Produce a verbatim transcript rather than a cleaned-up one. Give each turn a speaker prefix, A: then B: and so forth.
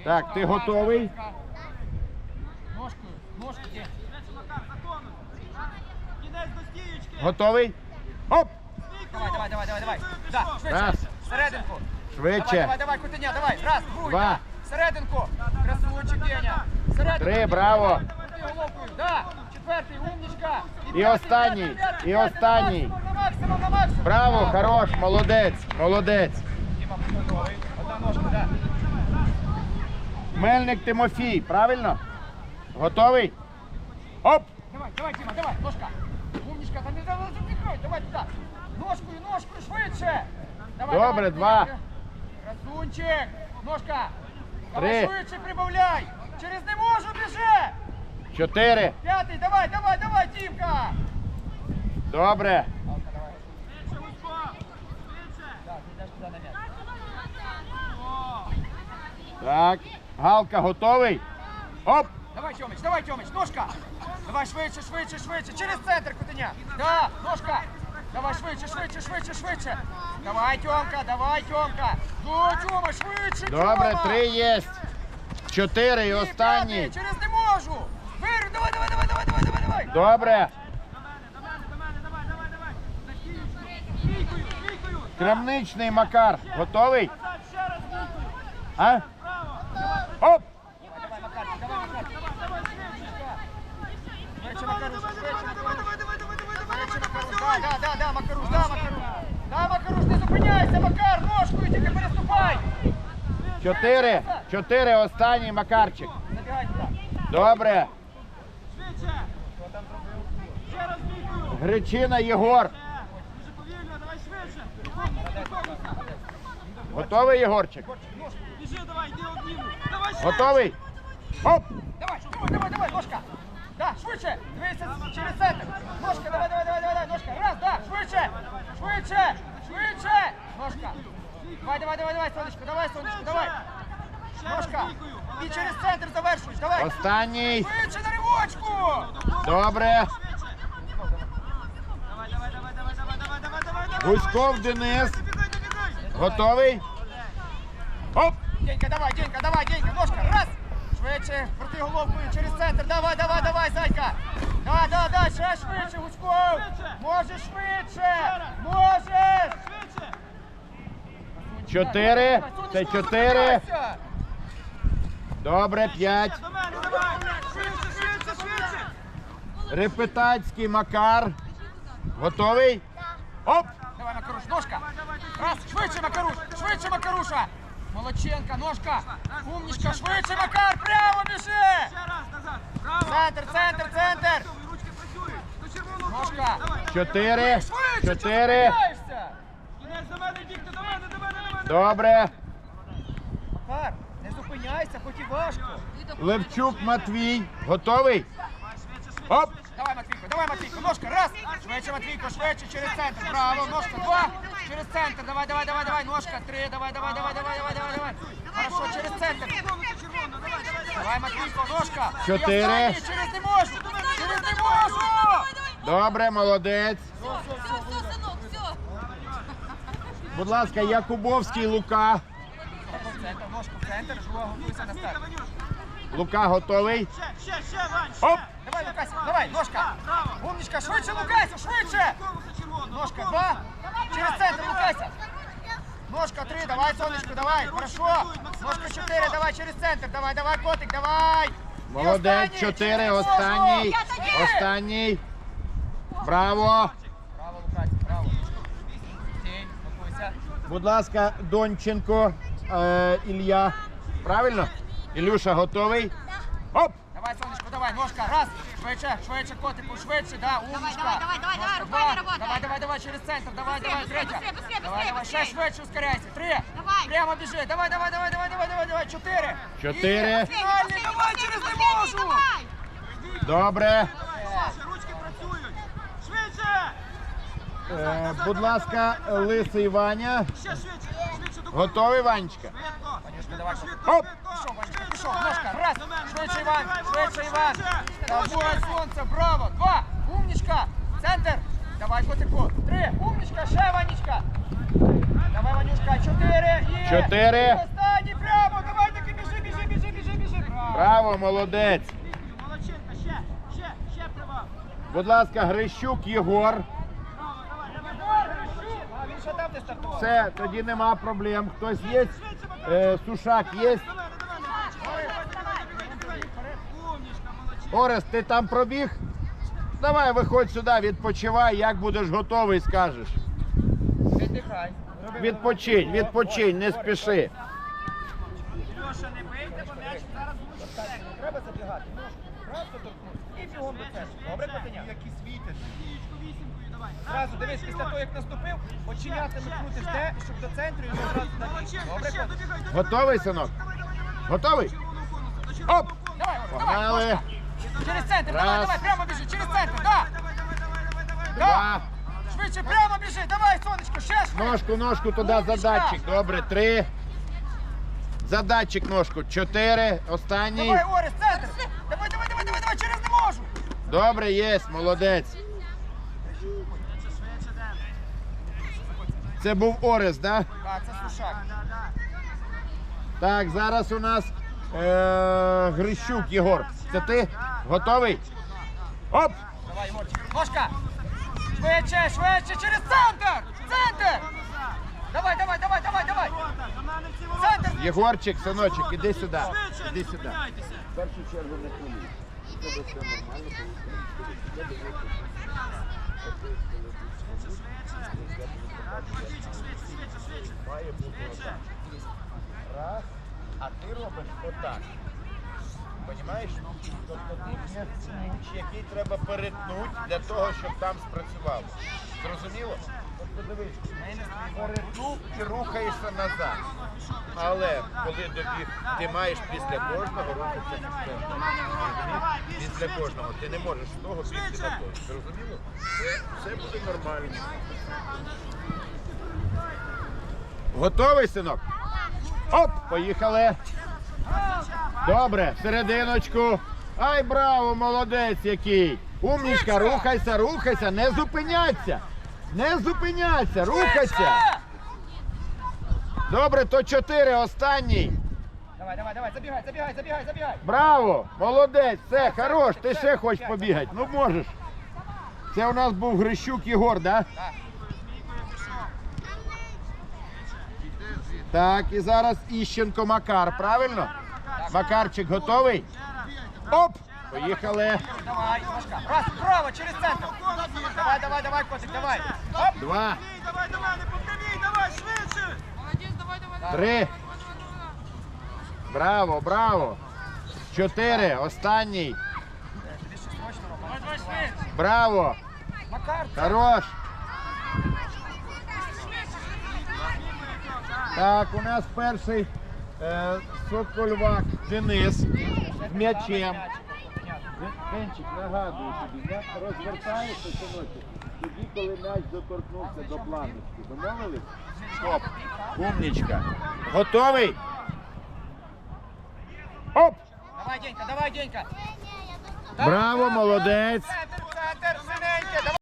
A: Так, ти готовий?
B: Ножкою, ножкою.
A: Готовий? Оп!
B: Давай, давай, давай, давай, давай. Да, швидше.
A: Раз.
B: Серединку.
A: Швидше.
B: Давай, давай, давай, Кутеня, давай. Раз, другий.
A: Два.
B: Да. Серединку. Красунчик, Деня. Серединку.
A: Три, браво.
B: Крути головкою. Да. Четвертий, умничка.
A: І
B: п'ятий,
A: останній,
B: п'ятий, п'ятий,
A: і
B: п'ятий.
A: останній.
B: На максимум, на максимум.
A: Браво, хорош, молодець, молодець.
B: Діма, готовий. Одна ножка, да.
A: Мельник Тимофій, правильно? Готовий? Оп!
B: Давай, давай, Діма, давай, ножка. Умничка, там не запихай, давай туди. Ножкою, ножкою, швидше. Давай,
A: Добре,
B: давай,
A: два.
B: Красунчик, ножка. Давай
A: Три.
B: швидше прибавляй. Через не можу, біжи.
A: Чотири.
B: П'ятий, давай, давай, давай, Дімка.
A: Добре.
B: Так, ти йдеш туди на м'яч.
A: Так. Галка, готовий? Оп!
B: Давай, Тьомич, давай, Тьомич, ножка. Давай швидше, швидше, швидше. Через центр, Кутеня. Да, ножка. Давай швидше, швидше, швидше, швидше. Давай, Тьомка, давай, Тьомка. Ну, Тьома, швидше, Тьома.
A: Добре, три є. Чотири і
B: Ні,
A: останній.
B: п'ятий, через не можу. Виру, давай, давай, давай, давай, давай, давай, давай.
A: Добре. Крамничний Макар. Готовий? А? Оп!
B: Давай, Макарчик, давай, Макарчик. Швидше, Макаруш, швидше, Макаруш. Швидше, Макаруш, да, да, да, да, Макаруш, да, Макаруш. Да, Макаруш, не зупиняйся, Макар, ножкою тільки переступай.
A: Чотири. Чотири, останній Макарчик.
B: Забігай туди.
A: Добре.
C: Швидше!
B: Хто там зробив?
C: Ще раз бійкою!
A: Гречина Єгор.
C: Дуже повільно, давай швидше!
A: Готовий, Єгорчик?
C: Біжи, давай, йди обніму! Давай швидше!
A: Готовий? Оп!
B: Давай, давай, давай, давай, ножка. Да, швидше, дивися через центр. Ножка, давай, давай, давай, давай, ножка. Раз, да, швидше, швидше, швидше. Ножка. Давай, давай, давай, давай, сонечко, давай, сонечко, давай.
C: Ще раз
B: Ножка.
C: бійкою!
B: І через центр завершуєш, давай.
A: Останній.
B: Швидше на ривочку.
A: Добре.
C: Давай, давай, давай, давай, давай, давай, давай, давай, давай!
A: Гуськов Денис.
C: Добігай, добігай!
A: Готовий? Оп!
B: Денька, давай, Денька, давай, Денька, ножка, раз. Швидше, крути головкою через центр. Давай, давай, давай, зайка. Да, да, да, ще швидше, Гуськов. Можеш швидше, можеш.
C: Швидше!
A: Чотири. Це чотири. Добре, п'ять.
C: До мене, давай! Швидше, швидше, швидше!
A: Репетацький Макар. Готовий? Оп!
B: Давай, Макаруш, ножка. Раз, швидше, Макаруш, швидше, Макаруша. Молодченка, ножка. Умничка, швидше, Макар, прямо біжи.
C: Ще раз, назад! Браво!
B: Центр, центр, центр.
C: Ручки працюють! До червоного
B: Ножка.
C: колу! Давай!
A: Чотири.
B: Швидше, чого
A: Чотири.
B: зупиняєшся?
C: Кінець до мене, бігти, до мене, до мене, до мене!
A: Добре.
B: Макар, не зупиняйся, хоч і важко.
A: Левчук Матвій. Готовий? Оп!
B: Давай, Матвійко, давай, Матвійко, ножка, раз. Швидше, Матвійко, швидше, через центр. Браво, ножка, два. Через центр, давай, давай, давай, давай, ножка, три, давай, давай, давай, давай, давай, давай, давай. Хорошо, через центр. Давай, Матвійко, ножка. І
A: Чотири.
B: останній, через не можу, через не можу.
A: Добре, молодець.
D: Все, все, сынок, все.
A: Будь ласка, Якубовський Лука.
B: В центр, ножку в центр, жуа, готуйся на старт.
A: Лука готовий?
C: Ще, ще, ще, Вань!
A: Оп!
B: Давай, Лукася, давай, ножка.
C: Браво!
B: Умничка, швидше, Лукася, швидше.
C: Конуса червоного!
B: Ножка, два. Через центр, Лукася. Ножка, три, давай, сонечко, давай, хорошо. Ножка, чотири, давай, через центр, давай, давай, котик, давай. І
A: Молодець,
B: останній,
A: чотири,
B: через ножку.
A: останній.
B: Чотири.
A: Останній. Браво.
B: Браво, Лукася, браво. Тінь, готуйся.
A: Будь ласка, Донченко е, Ілля. Правильно? Ілюша готовий? Оп!
B: Давай, сонечко, давай, ножка, раз. Швидше, швидше, котику, швидше, да, умничка.
D: давай, давай, давай,
B: Ножка,
D: руками
B: два.
D: работай.
B: Давай, давай, давай, через центр, давай, давай,
D: быстрее,
B: третя.
D: быстрее, быстрее,
B: Давай,
D: быстрее,
B: давай, ще
D: быстрее.
B: швидше ускоряйся. Три.
D: Давай.
B: Прямо біжи, давай, давай, давай, давай, давай, давай, давай, чотири.
A: Чотири.
B: І фінальний, давай, через не можу.
A: Добре.
C: Ще, ручки працюють! Швидше!
A: Е, будь ласка, Лисий Ваня.
C: Ще швидше! Швидше до
A: Готовий, Ванечка?
C: Швидко!
B: Ванюшка, давай,
C: Швидко,
A: Оп!
C: швидко!
B: Пішов, Ванечка,
C: Швидко,
B: пішов,
C: давай,
B: ножка, раз.
C: до мене, до
B: Швидше,
C: мене,
B: Іван,
C: давай,
B: швидше,
C: Володя,
B: Іван.
C: швидше.
B: Давай, сонце, браво, два. Умничка, центр. Давай, котику, три. Умничка, ще, Ванечка. Давай, Ванюшка, чотири. І...
A: Чотири.
B: І останній, прямо, давай, таки біжи, біжи, біжи,
A: Браво, молодець.
C: Молодчинка, ще, ще, ще привал.
A: Будь ласка, Грищук Єгор.
C: Браво, давай, давай, давай, Грищук.
B: А він ще там, де стартував.
A: Все, тоді нема проблем. Хтось є? Е, Сушак є?
C: Давай, давай, давай, давай, давай, давай. Умничка, молодчинка.
A: Орест, ти там пробіг? Давай, виходь сюди, відпочивай, як будеш готовий, скажеш.
B: Віддихай.
A: Відпочинь, відпочинь, не спіши.
C: Льоша, не бийте, бо м'яч зараз буде в центрі.
B: Не треба забігати. Ножку просто торкнути. І бігом до центру. Добре, котеня?
C: Вісімкою, вісімкою, давай.
B: Зразу дивись, після того, як наступив, оченятами крутиш де, щоб до центру і одразу на бік.
C: Молодчинка,
B: Добре,
C: ще,
B: котеня?
C: добігай, добігай.
A: Готовий, синок? Готовий?
C: Червоного конуса, до червоного
A: Оп!
C: конуса.
B: Давай, Орест, давай,
A: Погнали.
B: ножка. Через центр, давай,
A: Раз.
B: давай, прямо біжи, через центр, да!
C: Давай, давай, давай, давай, давай, давай.
A: Два.
B: Швидше, прямо біжи, давай, сонечко, ще швидше.
A: Ножку, ножку туди, задатчик. Добре, три. Задатчик ножку. Чотири. Останній.
B: Давай, Орест, центр. Давай, давай, давай, давай, давай, через не можу.
A: Добре, є, молодець.
C: Швидше, швидше, Ден.
A: Це був Орест, так? Да?
B: Так, це Сушак.
C: Да, да.
A: Так, зараз у нас е- Грищук Єгор. Це ти? Готовий? Оп!
B: Давай, Єгорчик. Ножка. Швидше, швидше, через центр. Центр. Давай, давай, давай, давай, давай.
C: Ворота, до мене всі ворота.
B: Центр.
A: Єгорчик, синочок, іди сюди.
C: Швидше,
A: Іди
C: не
A: сюди.
C: зупиняйтеся.
A: В першу чергу не хвилюй. У тебе все нормально,
C: Швидше, швидше, швидше, швидше.
A: має бути отак. Раз, а ти робиш отак. Понімаєш? Тобто ти є ключ, який треба перетнути для того, щоб там спрацювало. Зрозуміло? Тобто дивись, перетнув і рухаєшся назад. Але коли добіг, ти маєш після кожного рухатися вперед. Після кожного. Ти не можеш з того бігти на той. Зрозуміло? Все, все буде нормально. Готовий, синок? Оп, поїхали. Добре, серединочку. Ай, браво, молодець який. Умнічка, рухайся, рухайся, не зупиняйся. Не зупиняйся, рухайся. Добре, то чотири, останній.
B: Давай, давай, давай, забігай, забігай, забігай, забігай.
A: Браво, молодець, все, хорош, ти ще хочеш побігати, ну можеш. Це у нас був Грищук Єгор, да?
B: Так.
A: Так, і зараз Іщенко Макар, правильно? Макарчик готовий? Оп, поїхали.
B: Давай, ножка. Раз, право, через центр. Давай, давай, давай, котик, давай. Оп.
A: Два,
C: Ні, давай, давай, не повторюй, давай, швидше.
A: три. Браво, браво. Чотири, останній.
B: Тобі ще срочно робити. Давай, швидше.
A: Браво,
B: Макар.
A: хорош. Так, у нас перший е, Сокольвак Денис з м'ячем. Денчик, нагадую тобі, як розвертаєшся, синочок, тоді, коли м'яч доторкнувся до планочки. Домовились? Оп, умнічка. Готовий? Оп!
B: Давай, Денька, давай, Денька.
A: Браво, молодець.
B: Центр,